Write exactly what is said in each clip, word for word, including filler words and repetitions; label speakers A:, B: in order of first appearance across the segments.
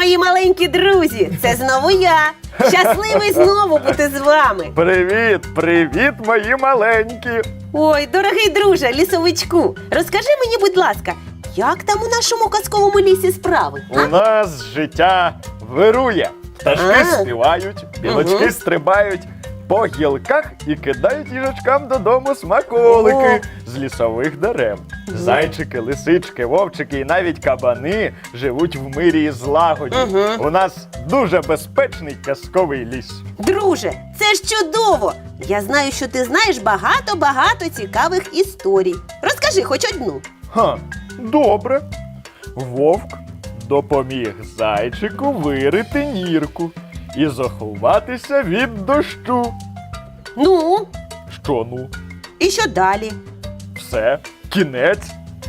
A: мої маленькі друзі! Це знову я! Щасливий знову бути з вами!
B: Привіт, привіт, мої маленькі!
A: Ой, дорогий друже, лісовичку, розкажи мені, будь ласка, як там у нашому казковому лісі справи?
B: У нас життя вирує. Пташки
A: А.
B: співають, білочки
A: Мгм.
B: стрибають по гілках і кидають їжачкам додому смаколики з лісових дерев. Зайчики, лисички, вовчики і навіть кабани живуть в мирі і злагоді.
A: Мгм.
B: У нас дуже безпечний казковий ліс.
A: Друже, це ж чудово! Я знаю, що ти знаєш багато-багато цікавих історій. Розкажи хоч одну.
B: Ха, добре. Вовк допоміг зайчику вирити нірку і заховатися від дощу.
A: Ну,
B: Що ну?
A: і що далі?
B: Все, кінець.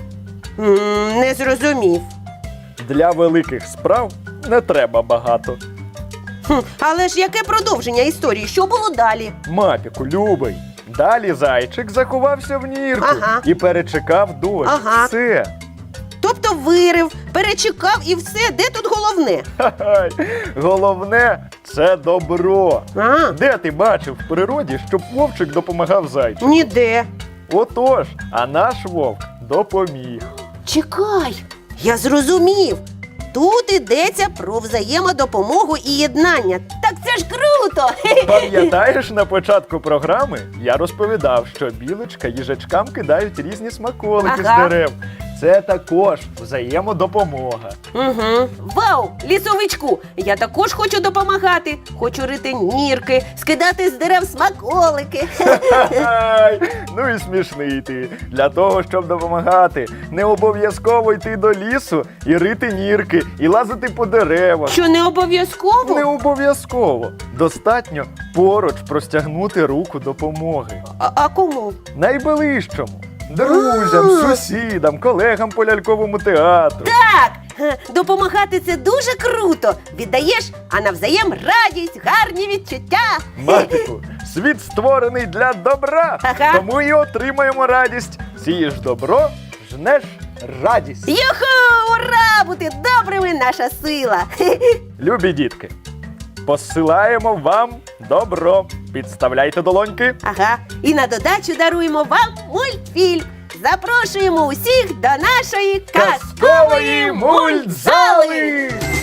A: М, не зрозумів.
B: Для великих справ не треба багато.
A: Хм, але ж яке продовження історії? Що було далі?
B: Мапіку, любий. Далі зайчик заховався в нірку
A: Ага.
B: і перечекав дощ.
A: Ага.
B: Все.
A: Тобто вирив, перечекав і все, де тут головне?
B: Ха-ха. Головне – це добро.
A: А,
B: Де ти бачив в природі, щоб вовчик допомагав зайчику?
A: ніде.
B: Отож, а наш вовк допоміг.
A: Чекай, я зрозумів. Тут йдеться про взаємодопомогу і єднання. Так це ж круто!
B: Пам'ятаєш, на початку програми я розповідав, що білочка їжачкам кидають різні смаколики
A: Ага.
B: з дерев. Це також взаємодопомога.
A: Угу. Вау, лісовичку! Я також хочу допомагати. Хочу рити нірки, скидати з дерев смаколики.
B: Ай, ну і смішний ти. Для того, щоб допомагати, не обов'язково йти до лісу і рити нірки, і лазити по деревах.
A: Що не обов'язково?
B: Не обов'язково. Достатньо поруч простягнути руку допомоги.
A: А, а кому?
B: Найближчому. Друзям,
A: А.
B: сусідам, колегам по ляльковому театру.
A: Так, ге, допомагати це дуже круто. Віддаєш, а навзаєм радість, гарні відчуття.
B: Матику, світ створений для добра,
A: Ага.
B: тому і отримаємо радість. Сієш добро, жнеш радість.
A: Юху! Ура! Бути добрими наша сила.
B: Любі дітки, посилаємо вам добро. Підставляйте долоньки.
A: Ага. І на додачу даруємо вам мультфільм. Запрошуємо усіх до нашої казкової
B: Казкової мультзали!
A: мультзали!